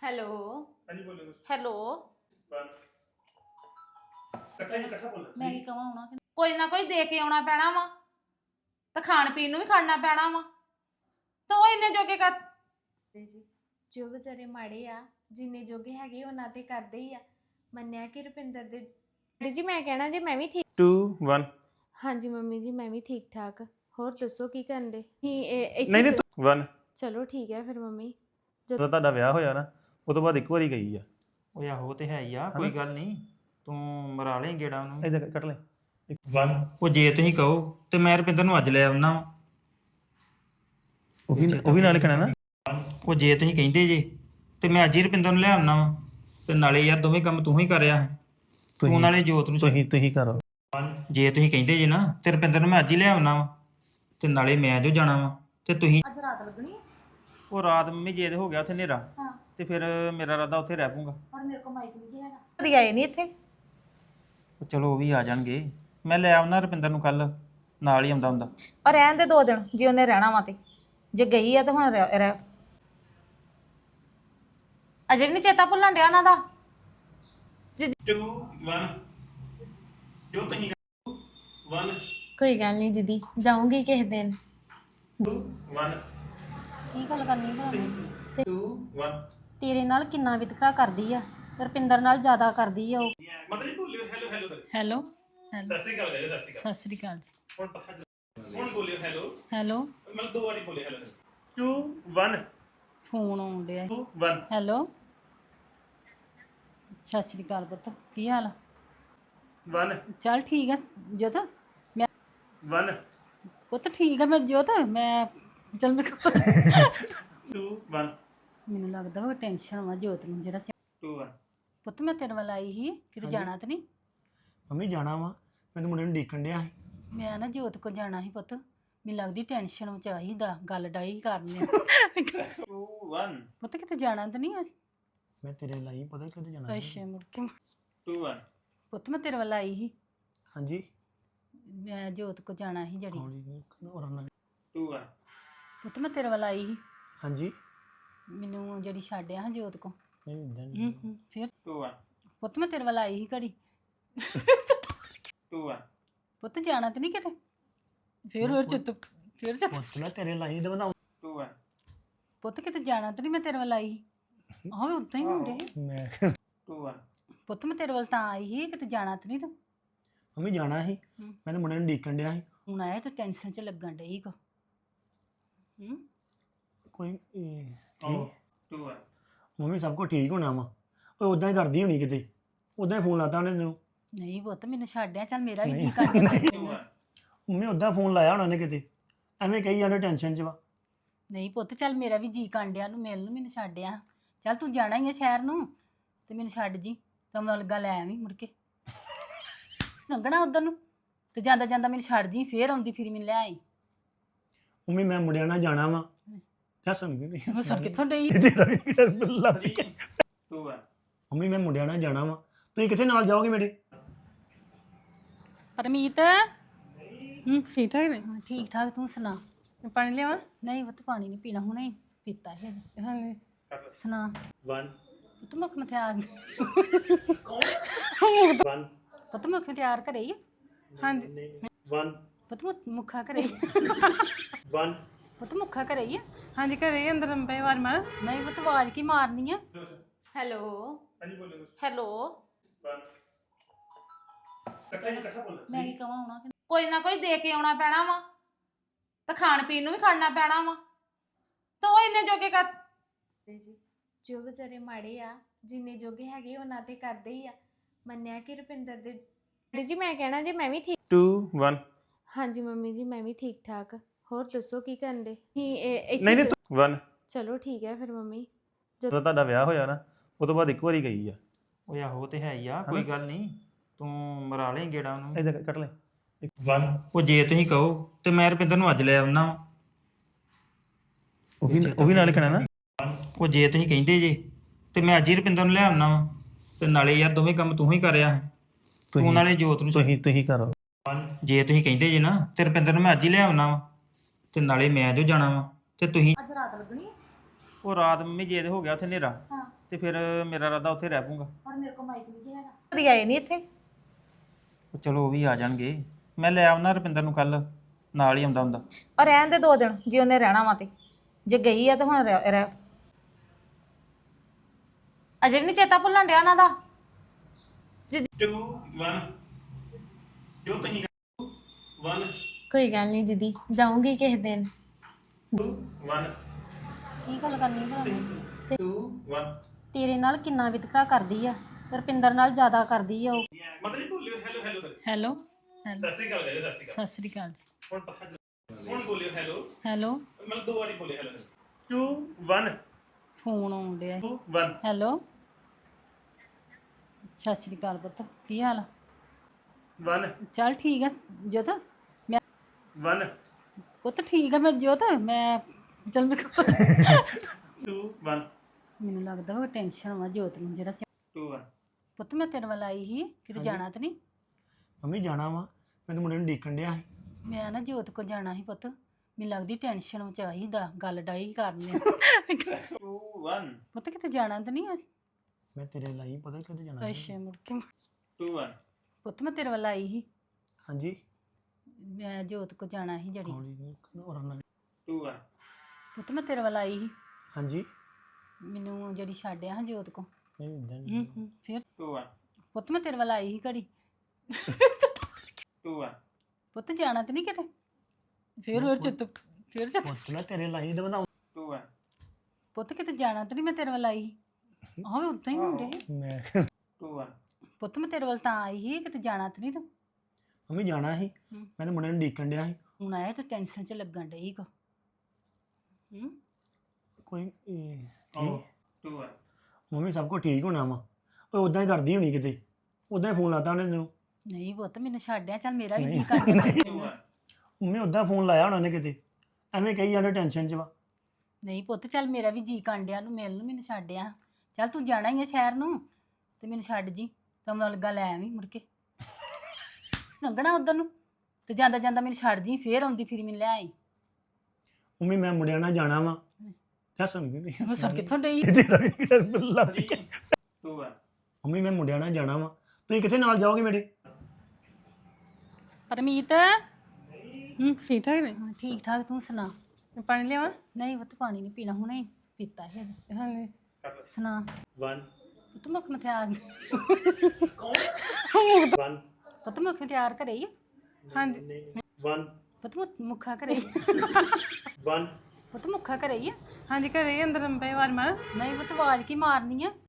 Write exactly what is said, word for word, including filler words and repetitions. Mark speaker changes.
Speaker 1: Hello
Speaker 2: ਹਾਂਜੀ ਬੋਲੋ ਤੁਸੀਂ।
Speaker 1: ਹੈਲੋ
Speaker 2: One, ਇਕੱਠਾ ਹੀ ਇਕੱਠਾ ਬੋਲਣਾ
Speaker 1: ਮੈਂ ਕੀ ਕਵਾਂ ਆਉਣਾ ਕਿ- ਕੋਈ ਨਾ ਕੋਈ ਦੇ ਕੇ ਆਉਣਾ ਪੈਣਾ ਵਾ ਤੇ ਖਾਣ ਪੀਣ ਨੂੰ ਵੀ ਖੜਨਾ ਪੈਣਾ ਵਾ ਤਾਂ ਉਹ ਇੰਨੇ ਜੋਗੇ ਕਰ
Speaker 3: ਜੀ ਜੋ ਵਿਚਾਰੇ ਮਾੜੇ ਆ ਜਿੰਨੇ ਜੋਗੇ ਹੈਗੇ ਉਹਨਾਂ ਤੇ ਕਰਦੇ ਹੀ ਆ ਮੰਨਿਆ ਕਿ ਰੁਪਿੰਦਰ ਦੇ ਡੈਡੀ ਜੀ ਮੈਂ ਕਹਿਣਾ ਜੇ ਮੈਂ ਵੀ ਠੀਕ
Speaker 2: Two, one.
Speaker 3: ਹਾਂਜੀ ਮੰਮੀ ਜੀ ਮੈਂ ਵੀ ਠੀਕ ਠਾਕ ਹੋਰ ਦੱਸੋ ਕੀ ਕਰਦੇ ਹੀ
Speaker 2: ਨਹੀਂ ਨਹੀਂ One.
Speaker 3: ਚਲੋ ਠੀਕ ਹੈ ਫਿਰ ਮੰਮੀ
Speaker 2: ਜਦੋਂ ਤੁਹਾਡਾ ਵਿਆਹ ਹੋਇਆ ਨਾ ਉਹ ਤੋਂ ਬਾਅਦ ਇੱਕ ਵਾਰੀ ਗਈ ਆ
Speaker 4: ਉਹ ਆਹੋ ਤੇ ਹੈ ਹੀ ਆ ਕੋਈ ਗੱਲ ਨਹੀਂ ਤੂੰ ਮਰਾ ਲੈ ਗੇੜਾ ਉਹਨੂੰ
Speaker 2: ਇਹਦਾ ਕੱਟ ਲੈ One.
Speaker 4: ਉਹ ਜੇ ਤੁਸੀਂ ਕਹੋ ਤੇ ਮੈਂ ਰੁਪਿੰਦਰ ਨੂੰ ਅੱਜ ਲੈ ਆਉਣਾ ਵਾ
Speaker 2: ਉਹ ਵੀ ਉਹ ਵੀ ਨਾਲ ਕਹਿਣਾ ਨਾ
Speaker 4: ਉਹ ਜੇ ਤੁਸੀਂ ਕਹਿੰਦੇ ਜੇ ਤੇ ਮੈਂ ਅੱਜ ਹੀ ਰੁਪਿੰਦਰ ਨੂੰ ਲੈ ਆਉਣਾ ਵਾ ਤੇ ਨਾਲੇ ਯਾਰ ਦੋਵੇਂ ਕੰਮ ਤੂੰ ਹੀ ਕਰਿਆ ਤੂੰ ਨਾਲੇ ਜੋਤ ਨੂੰ
Speaker 2: ਤੁਸੀਂ ਤੁਸੀਂ ਕਰੋ
Speaker 4: ਜੇ ਤੁਸੀਂ ਕਹਿੰਦੇ ਜੇ ਨਾ ਤੇ ਰੁਪਿੰਦਰ ਨੂੰ ਮੈਂ ਅੱਜ ਹੀ ਲੈ ਆਉਣਾ ਵਾ ਤੇ ਨਾਲੇ ਮੈਂ ਜੋ ਜਾਣਾ ਵਾ ਤੇ ਤੁਸੀਂ
Speaker 1: ਅੱਜ ਰਾਤ ਲੱਗਣੀ ਹੈ
Speaker 4: ਉਹ ਰਾਤ ਮੰਮੀ ਜੇ ਤੇ ਹੋ ਗਿਆ ਉੱਥੇ ਹਨੇਰਾ
Speaker 1: ਹਾਂ
Speaker 4: ਤੇ ਫਿਰ ਮੇਰਾ ਰਾਦਾ ਉੱਥੇ ਰਹਿ ਪੂੰਗਾ
Speaker 1: ਪਰ ਮੇਰੇ ਕੋਲ ਮਾਈਕ ਨਹੀਂ ਹੈਗਾ ਕਦੀ ਆਏ ਨਹੀਂ ਇੱਥੇ
Speaker 4: ਉਹ ਚਲੋ ਉਹ ਵੀ ਆ ਜਾਣਗੇ ਮੈਂ ਲੈ ਆਉਣਾ ਰੁਪਿੰਦਰ ਨੂੰ ਕੱਲ ਨਾਲ ਹੀ ਆਉਂਦਾ ਹੁੰਦਾ
Speaker 1: ਔਰ ਰਹਿਣ ਦੇ ਦੋ ਦਿਨ ਜੇ ਉਹਨੇ ਰਹਿਣਾ ਵਾ ਤੇ ਜੇ ਗਈ ਆ ਤਾਂ ਹੁਣ ਰਹਿ ਰਹਿ। ਅਜੇ ਵੀ ਨਹੀਂ ਚੇਤਾ ਭੁੱਲਣ ਡਿਆ ਉਹਨਾਂ ਦਾ
Speaker 2: Two, one. ਜੋ ਤੁਸੀਂ One,
Speaker 3: ਕੋਈ ਗੱਲ ਨਹੀਂ ਦੀਦੀ ਜਾਊਂਗੀ ਕਿਸੇ ਦਿਨ
Speaker 2: two, one,
Speaker 5: ਕੀ ਗੱਲ ਕਰਨੀ ਭਲਾ
Speaker 2: two, one.
Speaker 5: ਤੇਰੇ ਨਾਲ ਕਿੰਨਾ ਵਿਤਕਰਾ ਕਰਦੀ ਆ ਰੁਪਿੰਦਰ ਨਾਲ ਜ਼ਿਆਦਾ ਕਰਦੀ ਆ ਉਹ
Speaker 2: ਮਤਲਬ ਜੀ ਬੋਲਿਓ ਹੈਲੋ ਹੈਲੋ ਕਰੇ
Speaker 5: ਹੈਲੋ
Speaker 2: ਸਤਿ ਸ੍ਰੀ ਅਕਾਲ ਕਰੇ ਸਤਿ ਸ੍ਰੀ
Speaker 5: ਸਤਿ ਸ੍ਰੀ ਅਕਾਲ ਜੀ
Speaker 2: ਅਕਾਲ ਹੁਣ ਪਤਾ ਹੁਣ ਬੋਲਿਓ ਹੈਲੋ
Speaker 5: ਹੈਲੋ
Speaker 2: ਮਤਲਬ ਦੋ ਵਾਰੀ ਬੋਲਿਓ ਹੈਲੋ Two, one,
Speaker 5: ਫੋਨ ਆਉਣ ਡਿਆ
Speaker 2: two, one.
Speaker 5: Hello Sat Sri ਅਕਾਲ ਪੁੱਤ ਕੀ ਹਾਲ ਆ
Speaker 2: One,
Speaker 5: ਚੱਲ ਠੀਕ ਆ ਜੋਤ ਮੈਂ
Speaker 2: one,
Speaker 5: ਪੁੱਤ ਠੀਕ ਆ ਮੈਂ ਜੋਤ ਮੈਂ ਚੱਲ ਮੇਰੇ ਕੋਲ
Speaker 2: two, one,
Speaker 5: ਮੈਨੂੰ ਲੱਗਦਾ ਵਾ ਟੈਨਸ਼ਨ ਵਾ ਜੋਤ ਨੂੰ ਜਿਹੜਾ ਚ-
Speaker 2: two, one.
Speaker 5: ਪੁੱਤ ਮੈਂ ਤੇਰੇ ਵੱਲ ਆਈ ਸੀ ਕਿਤੇ ਜਾਣਾ ਤੇ ਨਹੀਂ
Speaker 6: ਮੰਮੀ ਜਾਣਾ ਵਾ ਮੈਨੂੰ ਮੁੰਡੇ ਨੂੰ ਡੀਕਣ ਡਿਆ ਸੀ
Speaker 5: ਮੈਂ ਨਾ ਜੋਤ ਕੋ ਜਾਣਾ ਸੀ ਪੁੱਤ ਮੈਨੂੰ ਲੱਗਦੀ ਟੈਨਸ਼ਨ ਵਿੱਚ ਆਈ ਦਾ ਗੱਲ ਡਾਈ ਕਰਨੀ ਆ।
Speaker 2: Two, one,
Speaker 5: ਪੁੱਤ ਕਿਤੇ ਜਾਣਾ ਤੇ ਨਹੀਂ
Speaker 6: ਮੈਂ ਤੇਰੇ ਲਈ ਪਤਾ ਕਿੱਥੇ ਜਾਣਾ ਸੀ?
Speaker 5: ਅੱਛਾ ਮੁੜ ਕੇ
Speaker 2: two, one.
Speaker 5: ਪੁੱਤ ਮੈਂ ਤੇਰੇ ਵੱਲ ਆਈ ਸੀ
Speaker 6: ਹਾਂਜੀ
Speaker 5: ਮੈਂ ਜੋਤ ਕੋ ਜਾਣਾ ਸੀ ਜੜੀ
Speaker 6: ਹੌਲੀ ਨਹੀਂ ਹੋਰ ਨਾਲ
Speaker 2: Two, one.
Speaker 5: ਪੁੱਤ ਮੈਂ ਤੇਰੇ ਵੱਲ ਆਈ ਸੀ
Speaker 6: ਹਾਂਜੀ
Speaker 5: ਮੈਨੂੰ ਜਿਹੜੀ ਛੱਡਿਆ ਹਾਂ ਜੋਤ ਕੋ
Speaker 6: ਨਹੀਂ ਇਦਾਂ ਨਹੀਂ
Speaker 5: ਹੂੰ ਹੂੰ ਫਿਰ
Speaker 2: Two, one,
Speaker 5: ਪੁੱਤ ਮੈਂ ਤੇਰੇ ਵੱਲ ਆਈ ਸੀ ਘੜੀ
Speaker 2: two, one.
Speaker 5: ਪੁੱਤ ਜਾਣਾ ਤੇ ਨਹੀਂ ਕਿਤੇ ਫਿਰ ਹੋਰ ਚਿੱਤ ਫਿਰ ਚਿੱਤ
Speaker 6: ਪੁੱਤ ਮੈਂ ਤੇਰੇ ਲਈ ਤੇ ਬਣਾਉ
Speaker 2: Two, one.
Speaker 5: ਪੁੱਤ ਕਿਤੇ ਜਾਣਾ ਤੇ ਨਹੀਂ ਮੈਂ ਤੇਰੇ ਵੱਲ ਆਈ ਸੀ ਆਹ ਵੀ ਉਦਾਂ ਹੀ ਹੁੰਦੇ
Speaker 6: ਮੈਂ
Speaker 2: Two, one.
Speaker 5: ਪੁੱਤ ਮੈਂ ਤੇਰੇ ਵੱਲ ਤਾਂ ਆਈ ਸੀ ਕਿਤੇ ਜਾਣਾ ਤੇ ਨਹੀਂ ਤੂੰ
Speaker 6: ਮੰਮੀ ਜਾਣਾ ਸੀ
Speaker 5: ਹੂੰ।
Speaker 6: ਮੈਨੂੰ ਮੁੰਡੇ ਨੂੰ ਡੀਕਣ ਡਿਆ ਸੀ
Speaker 5: ਹੁਣ ਆਇਆ ਤੇ ਟੈਨਸ਼ਨ ਚ ਲੱਗਣ ਡਈ ਕੋ ਹੂੰ
Speaker 6: ਕੋਈ ਇਹ,
Speaker 2: Oh,
Speaker 6: ਠੀਕ
Speaker 2: two, one.
Speaker 6: ਮੰਮੀ ਸਭ ਕੁਝ ਠੀਕ ਹੋਣਾ ਵਾ ਉਹ ਉਦਾਂ ਹੀ ਕਰਦੀ ਹੋਣੀ ਕਿਤੇ ਉਦਾਂ ਹੀ ਫੋਨ ਲਾਤਾ ਉਹਨੇ ਤੈਨੂੰ
Speaker 5: ਨਹੀਂ ਪੁੱਤ ਮੈਨੂੰ ਛੱਡਿਆ ਚੱਲ ਮੇਰਾ ਵੀ ਜੀ
Speaker 6: ਨਹੀਂ।
Speaker 5: ਕਰ
Speaker 2: Two, one.
Speaker 6: ਮੰਮੀ ਉਦਾਂ ਫੋਨ ਲਾਇਆ ਹੋਣਾ ਨੇ ਕਿਤੇ ਐਵੇਂ ਕਹੀ ਜਾਂਦੇ ਟੈਨਸ਼ਨ 'ਚ ਵਾ
Speaker 5: ਨਹੀਂ ਪੁੱਤ ਚੱਲ ਮੇਰਾ ਵੀ ਜੀ ਕਾਂਡਿਆ ਨੂੰ ਮਿਲ ਨੂੰ ਮੈਨੂੰ ਛੱਡਿਆ ਚੱਲ ਤੂੰ ਜਾਣਾ ਹੀ ਆ ਸ਼ਹਿਰ ਨੂੰ ਤੇ ਮੈਨੂੰ ਛੱਡ ਜੀ ਤਾਂ ਮੈਂ ਲੱਗਾ ਲੈ ਆਵੀਂ ਮੁੜ ਕੇ ਲੰਘਣਾ ਉਧਰ ਨੂੰ ਤੇ ਜਾਂਦਾ ਜਾਂਦਾ ਮੈਨੂੰ ਛੱਡ ਜੀ ਫੇਰ ਆਉਂਦੀ ਫਿਰ ਮੈਨੂੰ ਲੈ ਆਈ
Speaker 6: ਮੰਮੀ ਮੈਂ ਮੁੰਡਿਆਂ ਨਾਲ ਜਾਣਾ ਵਾ ਦੱਸ ਮੰਮੀ
Speaker 5: ਉਹ ਸਰ ਕਿੱਥੋਂ ਡਈ
Speaker 6: ਤੇਰਾ ਵੀ ਕਿਹੜਾ ਲੱਭ
Speaker 2: Three,
Speaker 6: ਕੇ।
Speaker 2: two, one.
Speaker 6: ਮੰਮੀ ਮੈਂ ਮੁੰਡਿਆਂ ਨਾਲ ਜਾਣਾ ਵਾ ਤੁਸੀਂ ਕਿੱਥੇ ਨਾਲ ਜਾਓਗੇ ਮੇਰੇ
Speaker 5: ਪਰਮੀਤ
Speaker 7: ਹੂੰ ਠੀਕ ਠਾਕ ਨੇ
Speaker 5: ਹਾਂ, ਠੀਕ ਠਾਕ ਤੂੰ ਸੁਣਾ
Speaker 7: ਪਾਣੀ ਲਿਆਵਾਂ
Speaker 5: ਨਹੀਂ ਪੁੱਤ ਪਾਣੀ ਨਹੀਂ ਪੀਣਾ ਹੁਣੇ ਹੀ ਪੀਤਾ ਹੈ
Speaker 7: ਹਾਂਜੀ
Speaker 5: ਸੁਣਾ
Speaker 2: One,
Speaker 5: ਪੁੱਤ ਮੁੱਖ ਮਥਿਆਰ
Speaker 2: one,
Speaker 5: ਪੁੱਤ ਮੁੱਖ ਮਥਿਆਰ ਘਰੇ ਹੀ ਆ?
Speaker 7: ਹਾਂਜੀ
Speaker 2: one,
Speaker 5: ਪੁੱਤ ਮੁ- ਮੁੱਖਾ ਘਰੇ ਹੀ?
Speaker 2: one.
Speaker 5: ਪੁੱਤ ਮੁੱਖਾ ਘਰੇ ਹੀ ਆ?
Speaker 7: ਹਾਂਜੀ ਘਰੇ ਹੀ ਅੰਦਰ ਅੰਬੇ ਵਾਰ ਮਾਰ
Speaker 5: ਨਹੀਂ ਪੁੱਤ ਆਵਾਜ਼ ਕੀ ਮਾਰਨੀ ਆ
Speaker 1: ਹੈਲੋ
Speaker 2: ਹਾਂਜੀ ਬੋਲਿਓ ਤੁਸੀਂ।
Speaker 1: Hello
Speaker 2: One. ਇਕੱਠਾ ਹੀ ਇਕੱਠਾ ਬੋਲਣਾ
Speaker 1: ਮੈਂ ਕੀ ਕਵਾਂ ਆਉਣਾ ਕਿ- ਕੋਈ ਨਾ ਕੋਈ ਦੇ ਕੇ ਆਉਣਾ ਪੈਣਾ ਵਾ ਤਾਂ ਖਾਣ ਪੀਣ ਨੂੰ ਵੀ ਖੜਨਾ ਪੈਣਾ ਵਾ ਤਾਂ ਉਹ ਇੰਨੇ ਜੋਗੇ ਕਰ
Speaker 3: ਜੀ ਜੋ ਵਿਚਾਰੇ ਮਾੜੇ ਆ ਜਿੰਨੇ ਜੋਗੇ ਹੈਗੇ ਉਹਨਾਂ ਤੇ ਕਰਦੇ ਹੀ ਆ ਮੰਨਿਆ ਕਿ ਰੁਪਿੰਦਰ ਦੇ ਡੈਡੀ ਜੀ ਮੈਂ ਕਹਿਣਾ ਜੇ ਮੈਂ ਵੀ ਠੀਕ
Speaker 2: Two, one.
Speaker 3: ਹਾਂਜੀ ਮੰਮੀ ਜੀ ਮੈਂ ਵੀ ਠੀਕ ਠਾਕ ਹੋਰ ਦੱਸੋ ਕੀ ਕਰਦੇ ਹੀ
Speaker 2: ਨਹੀਂ ਨਹੀਂ One.
Speaker 3: ਚਲੋ ਠੀਕ ਹੈ ਫਿਰ ਮੰਮੀ
Speaker 2: ਜਦੋਂ ਤੁਹਾਡਾ ਵਿਆਹ ਹੋਇਆ ਨਾ ਉਹ ਤੋਂ ਬਾਅਦ ਇੱਕ ਵਾਰੀ ਗਈ ਆ
Speaker 4: ਉਹ ਆਹੋ ਤੇ ਹੈ ਹੀ ਆ ਕੋਈ ਗੱਲ ਨਹੀਂ ਤੂੰ ਮਰਾ ਲੈ ਗੇੜਾ ਉਹਨੂੰ
Speaker 2: ਇਹਦਾ ਕੱਟ ਲੈ One.
Speaker 4: ਉਹ ਜੇ ਤੁਸੀਂ ਕਹੋ ਤੇ ਮੈਂ ਰੁਪਿੰਦਰ ਨੂੰ ਅੱਜ ਲੈ ਆਉਣਾ ਵਾ
Speaker 2: ਉਹ ਵੀ ਉਹ ਵੀ ਨਾਲ ਕਹਿਣਾ ਨਾ
Speaker 4: ਉਹ ਜੇ ਤੁਸੀਂ ਕਹਿੰਦੇ ਜੇ ਤੇ ਮੈਂ ਅੱਜ ਹੀ ਰੁਪਿੰਦਰ ਨੂੰ ਲੈ ਆਉਣਾ ਵਾ ਤੇ ਨਾਲੇ ਯਾਰ ਦੋਵੇਂ ਕੰਮ ਤੂੰ ਹੀ ਕਰਿਆ ਤੂੰ ਨਾਲੇ ਜੋਤ ਨੂੰ
Speaker 2: ਤੁਸੀਂ ਤੁਸੀਂ ਕਰੋ
Speaker 4: ਜੇ ਤੁਸੀਂ ਕਹਿੰਦੇ ਜੇ ਨਾ ਤੇ ਰੁਪਿੰਦਰ ਨੂੰ ਮੈਂ ਅੱਜ ਹੀ ਲੈ ਆਉਣਾ ਵਾ ਤੇ ਨਾਲੇ ਮੈਂ ਜੋ ਜਾਣਾ ਵਾ ਤੇ ਤੁਸੀਂ
Speaker 1: ਅੱਜ ਰਾਤ ਲੱਗਣੀ ਹੈ
Speaker 4: ਉਹ ਰਾਤ ਮੰਮੀ ਜੇ ਤੇ ਹੋ ਗਿਆ ਉੱਥੇ ਹਨੇਰਾ
Speaker 1: ਹਾਂ
Speaker 4: ਤੇ ਫਿਰ ਮੇਰਾ ਇਰਾਦਾ ਉੱਥੇ ਰਹਿ ਪੂੰਗਾ।
Speaker 1: ਪਰ ਮੇਰੇ ਕੋਲ ਮਾਈਕ ਨਹੀਂ ਹੈਗਾ ਕਦੀ ਆਏ ਨਹੀਂ ਇੱਥੇ।
Speaker 4: ਉਹ ਚਲੋ ਉਹ ਵੀ ਆ ਜਾਣਗੇ। ਮੈਂ ਲੈ ਆਉਣਾ ਰੁਪਿੰਦਰ ਨੂੰ ਕੱਲ ਨਾਲ ਹੀ ਆਉਂਦਾ ਹੁੰਦਾ।
Speaker 1: ਔਰ ਰਹਿਣ ਦੇ ਦੋ ਦਿਨ ਜੇ ਉਹਨੇ ਰਹਿਣਾ ਵਾ ਤੇ ਜੇ ਗਈ ਆ ਤਾਂ ਹੁਣ ਰਹਿ ਰਹਿ। ਅਜੇ ਵੀ ਨਹੀਂ ਚੇਤਾ ਭੁੱਲਣ ਡਿਆ ਉਹਨਾਂ ਦਾ।
Speaker 3: ਕੋਈ ਗੱਲ ਨਹੀਂ ਦੀਦੀ, ਜਾਊਂਗੀ ਕਿਸੇ ਦਿਨ।
Speaker 8: ਕੀ ਗੱਲ ਕਰਨੀ ਭਲਾ ਤੇਰੇ ਨਾਲ ਕਿੰਨਾ ਵਿਤਕਰਾ ਕਰਦੀ ਆ, ਰੁਪਿੰਦਰ ਨਾਲ ਜ਼ਿਆਦਾ ਕਰਦੀ ਆ ਉਹ।
Speaker 5: ਹੈਲੋ ਸਤਿ ਸ੍ਰੀ ਅਕਾਲ ਜੀ। ਸਤਿ ਸ੍ਰੀ ਅਕਾਲ ਜੀ। ਹੁਣ ਬੋਲਿਓ ਹੈਲੋ। ਹੈਲੋ ਮਤਲਬ ਦੋ ਵਾਰੀ ਬੋਲੇ ਹੈਲੋ।
Speaker 6: ਟੂ ਇੱਕ
Speaker 5: ਫੋਨ ਆਉਣ ਡਿਆ।
Speaker 6: ਟੂ ਇੱਕ
Speaker 5: ਹੈਲੋ ਸਤਿ ਸ੍ਰੀ ਅਕਾਲ ਪੁੱਤ, ਕੀ ਹਾਲ ਆ?
Speaker 6: ਇੱਕ
Speaker 5: ਚੱਲ ਠੀਕ ਆ ਜੋਤ। ਮੈਂ
Speaker 6: ਇੱਕ
Speaker 5: ਪੁੱਤ ਠੀਕ ਆ ਮੈਂ ਜੋਤ ਮੈਂ ਚੱਲ ਮੇਰੇ ਕੋਲ
Speaker 6: ਟੂ ਇੱਕ
Speaker 5: ਮੈਨੂੰ ਲੱਗਦਾ ਉਹ ਟੈਨਸ਼ਨ ਵਾ ਜੋਤ ਨੂੰ ਜਿਹੜਾ ਚ-
Speaker 6: ਟੂ ਇੱਕ
Speaker 5: ਪੁੱਤ ਮੈਂ ਤੇਰੇ ਵੱਲ ਆਈ ਸੀ ਕਿਤੇ ਜਾਣਾ ਤਾਂ ਨਹੀਂ?
Speaker 6: ਮੰਮੀ ਜਾਣਾ ਵਾ, ਮੈਂ ਤਾਂ ਮੁੰਡੇ ਨੂੰ ਡੀਕਣ ਡਿਆ ਸੀ।
Speaker 5: ਮੈਂ ਨਾ ਜੋਤ ਕੋ ਜਾਣਾ ਸੀ ਪੁੱਤ, ਮੈਨੂੰ ਲੱਗਦੀ ਟੈਨਸ਼ਨ ਵਿੱਚ ਆਈ ਦਾ ਗੱਲ ਡਾਈ ਕਰਨੇ।
Speaker 6: ਟੂ ਇੱਕ
Speaker 5: ਪੁੱਤ ਕਿਤੇ ਜਾਣਾ ਤਾਂ ਨਹੀਂ?
Speaker 6: ਮੈਂ ਤੇਰੇ ਲਈ ਪਤਾ ਕਿੱਥੇ ਜਾਣਾ ਸੀ।
Speaker 5: ਅੱਛਾ ਮੁੜ ਕੇ
Speaker 6: ਟੂ ਇੱਕ
Speaker 5: ਪੁੱਤ ਮੈਂ ਤੇਰੇ ਵੱਲ ਆਈ ਸੀ,
Speaker 6: ਹਾਂਜੀ
Speaker 5: ਮੈਂ ਜੋਤ ਕੋ ਜਾਣਾ ਸੀ ਜੜੀ।
Speaker 6: ਹੌਲੀ ਨਹੀਂ ਹੋਰ ਨਾਲ ਟੂ ਇੱਕ
Speaker 5: ਪੁੱਤ ਮੈਂ ਤੇਰੇ ਵੱਲ ਆਈ ਸੀ,
Speaker 6: ਹਾਂਜੀ
Speaker 5: ਮੈਨੂੰ ਜਿਹੜੀ ਛੱਡਿਆ ਹਾਂ ਜੋਤ ਕੋ।
Speaker 6: ਨਹੀਂ ਇਦਾਂ
Speaker 5: ਹੂੰ
Speaker 6: ਨਹੀਂ
Speaker 5: ਹੂੰ ਫਿਰ
Speaker 6: ਟੂ ਇੱਕ
Speaker 5: ਪੁੱਤ ਮੈਂ ਤੇਰੇ ਵੱਲ ਆਈ ਸੀ ਘੜੀ।
Speaker 6: ਟੂ ਇੱਕ
Speaker 5: ਪੁੱਤ ਜਾਣਾ ਤਾਂ ਨਹੀਂ ਕਿਤੇ? ਫਿਰ ਹੋਰ ਚਿੱਤ ਫਿਰ ਚਿੱਤ
Speaker 6: ਪੁੱਤ ਮੈਂ ਤੇਰੇ ਲਈ ਤਾਂ ਬਣਾਉ ਟੂ ਇੱਕ
Speaker 5: ਪੁੱਤ ਕਿਤੇ ਜਾਣਾ ਤਾਂ ਨਹੀਂ ਮੈਂ ਤੇਰੇ ਵੱਲ ਆਈ ਸੀ। ਆਹ ਉਦਾਂ ਹੀ ਹੁੰਦੇ।
Speaker 6: ਮੈਂ ਟੂ ਇੱਕ
Speaker 5: ਪੁੱਤ ਮੈਂ ਤੇਰੇ ਵੱਲ ਤਾਂ ਆਈ ਸੀ, ਕਿਤੇ ਜਾਣਾ ਤਾਂ ਨਹੀਂ ਤੂੰ?
Speaker 6: ਮੰਮੀ ਜਾਣਾ ਸੀ,
Speaker 5: ਹੂੰ।
Speaker 6: ਮੈਂ ਤਾਂ ਮੁੰਡੇ ਨੂੰ ਡੀਕਣ ਡਿਆ ਸੀ।
Speaker 5: ਹੁਣ ਆਇਆ ਤਾਂ ਟੈਨਸ਼ਨ ਚ ਲੱਗਣ ਡਈ ਕੋ। ਹੂੰ
Speaker 6: ਕੋਈ ਇਹ, ਠੀਕ
Speaker 4: ਟੂ ਇੱਕ
Speaker 6: ਮੰਮੀ ਸਭ ਕੁਝ ਠੀਕ ਹੋਣਾ ਵਾ। ਉਹ ਉਦਾਂ ਹੀ ਕਰਦੀ ਹੋਣੀ ਕਿਤੇ, ਉਦਾਂ ਹੀ ਫੋਨ ਲਾਤਾ ਉਹਨੇ ਤੈਨੂੰ।
Speaker 5: ਨਹੀਂ ਪੁੱਤ ਮੈਨੂੰ ਛੱਡਿਆ, ਚੱਲ ਮੇਰਾ ਵੀ ਜੀ
Speaker 6: ਨਹੀਂ,
Speaker 5: ਕਰਦਾ।
Speaker 4: ਟੂ ਇੱਕ
Speaker 6: ਮੰਮੀ ਉਦਾਂ ਫੋਨ ਲਾਇਆ ਹੋਣਾ ਨੇ ਕਿਤੇ, ਐਵੇਂ ਕਹੀ ਜਾਂਦੇ ਟੈਨਸ਼ਨ 'ਚ ਵਾ।
Speaker 5: ਨਹੀਂ ਪੁੱਤ ਚੱਲ ਮੇਰਾ ਵੀ ਜੀ ਕਾਂਡਿਆ ਨੂੰ ਮਿਲਣ ਨੂੰ, ਮੈਨੂੰ ਛੱਡਿਆ। ਚੱਲ ਤੂੰ ਜਾਣਾ ਹੀ ਹੈ ਸ਼ਹਿਰ ਨੂੰ ਤੇ ਮੈਨੂੰ ਛੱਡ ਜੀ, ਤਾਂ ਮੈਂ ਲੱਗਾ ਲੈ ਆਵੀਂ ਮੁੜ ਕੇ ਲੰਘਣਾ ਉਧਰ ਨੂੰ, ਤੇ ਜਾਂਦਾ ਜਾਂਦਾ ਮੈਨੂੰ ਛੱਡ ਜੀ, ਫੇਰ ਆਉਂਦੀ ਫਿਰ ਮੈਨੂੰ ਲੈ ਆਈ।
Speaker 6: ਮੰਮੀ ਮੈਂ ਮੁੰਡਿਆਂ ਨਾਲ ਜਾਣਾ ਵਾ। ਦੱਸ ਮੰਮੀ
Speaker 5: ਉਹ ਸਰ ਕਿੱਥੋਂ ਡਈ?
Speaker 6: ਤੇਰਾ ਵੀ ਕਿਹੜਾ ਬੱਲਾ
Speaker 4: ਟੂ ਇੱਕ
Speaker 6: ਮੰਮੀ ਮੈਂ ਮੁੰਡਿਆਂ ਨਾਲ ਜਾਣਾ ਵਾ, ਤੁਸੀਂ ਕਿੱਥੇ ਨਾਲ ਜਾਓਗੇ ਮੇਰੇ?
Speaker 5: ਪਰਮੀਤ
Speaker 7: ਹੂੰ ਠੀਕ ਠਾਕ ਨੇ?
Speaker 5: ਹਾਂ, ਠੀਕ ਠਾਕ, ਤੂੰ ਸੁਣਾ?
Speaker 7: ਪਾਣੀ ਲਿਆਵਾਂ?
Speaker 5: ਨਹੀਂ ਪੁੱਤ ਪਾਣੀ ਨਹੀਂ ਪੀਣਾ, ਹੁਣੇ ਹੀ ਪੀਤਾ ਹੈ।
Speaker 7: ਹਾਂਜੀ
Speaker 5: ਸੁਣਾ
Speaker 6: ਵਨ
Speaker 5: ਪੁੱਤ ਮੁੱਖ ਮਥਿਆਰ
Speaker 6: ਵਨ
Speaker 5: ਪੁੱਤ ਮੁੱਖ ਮਥਿਆਰ ਘਰੇ ਹੀ ਆ?
Speaker 7: ਹਾਂਜੀ
Speaker 6: ਵਨ
Speaker 5: ਪੁੱਤ ਮੁ- ਮੁੱਖਾ ਘਰੇ ਹੀ?
Speaker 6: ਵਨ
Speaker 5: ਪੁੱਤ ਮੁੱਖਾ ਘਰੇ ਹੀ ਆ?
Speaker 7: ਹਾਂਜੀ ਘਰੇ ਹੀ ਅੰਦਰ ਪਏ ਵਾਰ ਮਾਰ।
Speaker 5: ਨਹੀਂ ਪੁੱਤ ਆਵਾਜ਼ ਕੀ ਮਾਰਨੀ ਆ?